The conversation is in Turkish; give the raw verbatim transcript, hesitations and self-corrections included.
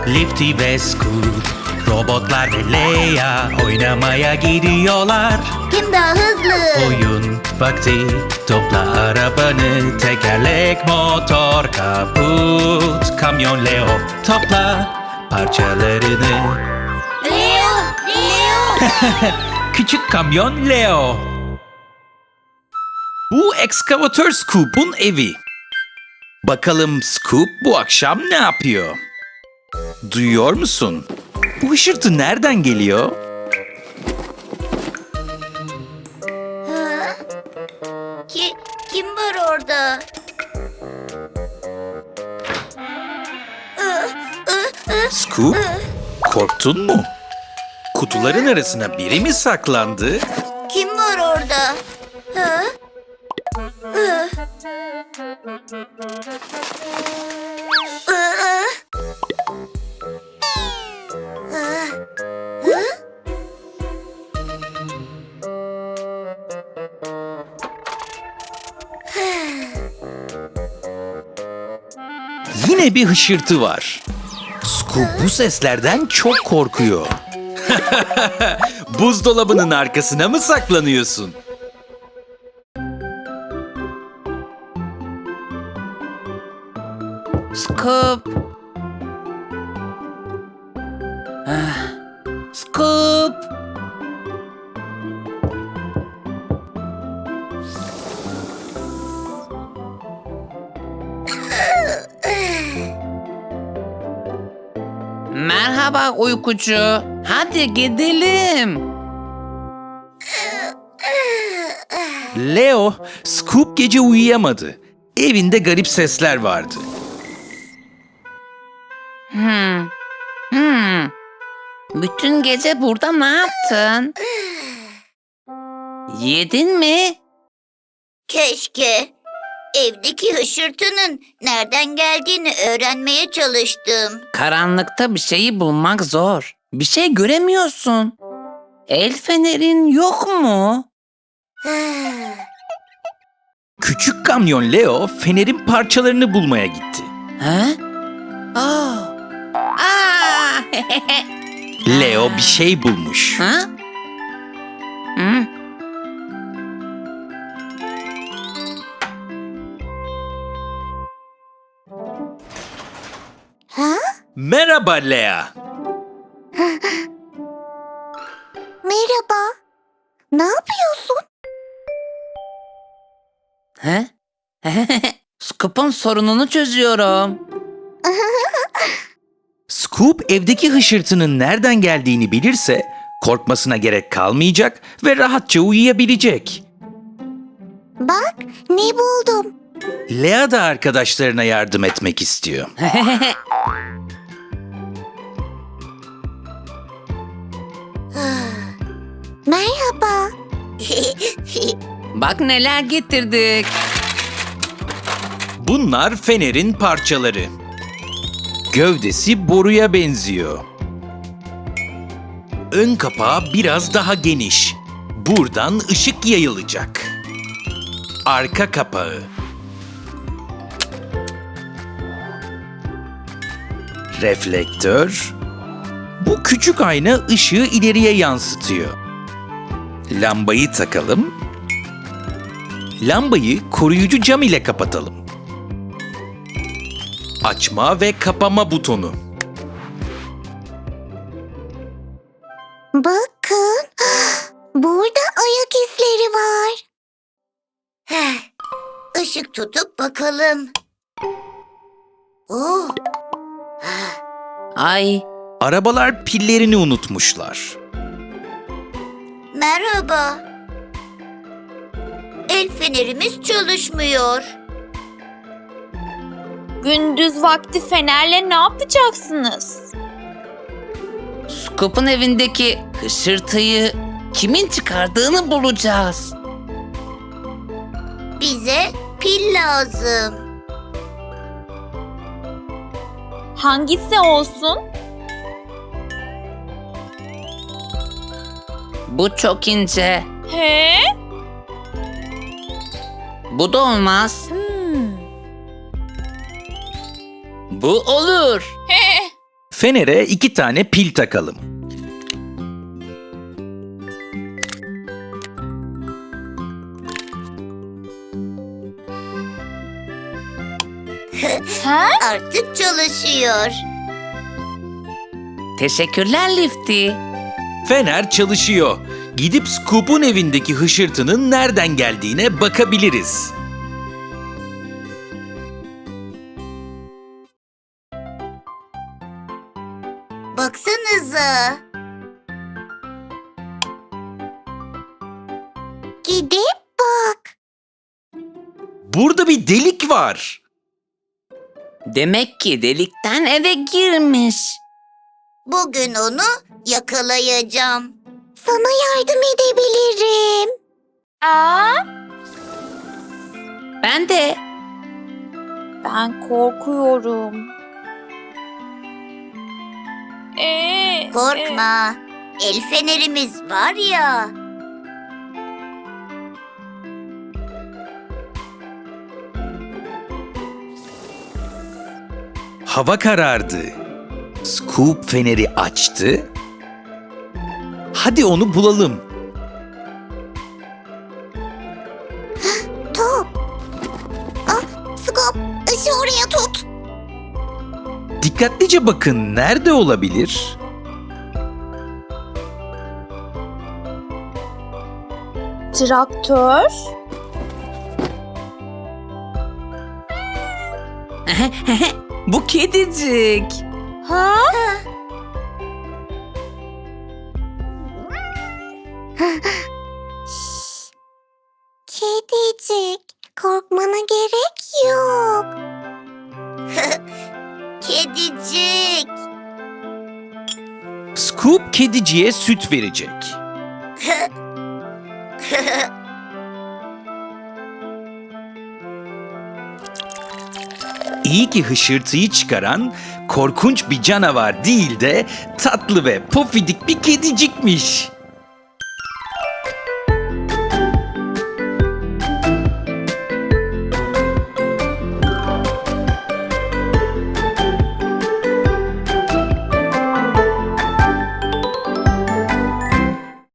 Lifty ve Scoot, robotlar ve Leia oynamaya gidiyorlar. Kim daha hızlı? Oyun vakti, topla arabanı, tekerlek, motor, kaput, kamyon Leo, topla parçalarını. Leo! Leo! Küçük kamyon Leo. Bu ekskavatör Scoop'un evi. Bakalım Scoop bu akşam ne yapıyor? Duyuyor musun? Bu hışırtı nereden geliyor? Ki, kim var orada? Scoop, korktun mu? Kutuların arasına biri mi saklandı? Kim var orada? Ha? Hı? Aa! Aa! Hı? Yine bir hışırtı var. Scoop bu seslerden çok korkuyor. Buzdolabının arkasına mı saklanıyorsun? Scoop. Ah, Scoop. Merhaba uykucu. Hadi gidelim. Leo, Scoop gece uyuyamadı. Evinde garip sesler vardı. Hmm. Hmm. Bütün gece burada ne yaptın? Yedin mi? Keşke. Evdeki hışırtının nereden geldiğini öğrenmeye çalıştım. Karanlıkta bir şeyi bulmak zor. Bir şey göremiyorsun. El fenerin yok mu? Küçük kamyon Leo fenerin parçalarını bulmaya gitti. Ha? Aa. Aa. Leo bir şey bulmuş. Ha? Hı? Ha? Merhaba Lea. Merhaba. Ne yapıyorsun? Ha? Scoop'un sorununu çözüyorum. Scoop evdeki hışırtının nereden geldiğini bilirse korkmasına gerek kalmayacak ve rahatça uyuyabilecek. Bak ne buldum. Lea da arkadaşlarına yardım etmek istiyor. Merhaba. Bak neler getirdik. Bunlar fenerin parçaları. Gövdesi boruya benziyor. Ön kapağı biraz daha geniş. Buradan ışık yayılacak. Arka kapağı. Reflektör. Bu küçük ayna ışığı ileriye yansıtıyor. Lambayı takalım. Lambayı koruyucu cam ile kapatalım. Açma ve kapama butonu. Bakın. Burada ayak izleri var. Işık tutup bakalım. Oh. Ay, Arabalar pillerini unutmuşlar. Merhaba. El fenerimiz çalışmıyor. Gündüz vakti fenerle ne yapacaksınız? Scoop'un evindeki hışırtıyı kimin çıkardığını bulacağız. Bize pil lazım. Hangisi olsun? Bu çok ince. He? Bu da olmaz. Hmm. Bu olur. He. Fenere iki tane pil takalım. Ha? Artık çalışıyor. Teşekkürler Lifty. Fener çalışıyor. Gidip Scoop'un evindeki hışırtının nereden geldiğine bakabiliriz. Baksanıza. Gidip bak. Burada bir delik var. Demek ki delikten eve girmiş. Bugün onu yakalayacağım. Sana yardım edebilirim. Aa, Ben de. ben korkuyorum. Ee, Korkma. El fenerimiz var ya. Hava karardı. Scoop feneri açtı. Hadi onu bulalım. Top. Ah, Scoop, ışığı oraya tut. Dikkatlice bakın, nerede olabilir? traktör. Bu kedicik. Ha? Kedicik, korkmana gerek yok. Kedicik. Scoop kediciye süt verecek. İyi ki hışırtıyı çıkaran korkunç bir canavar değil de tatlı ve pofidik bir kedicikmiş.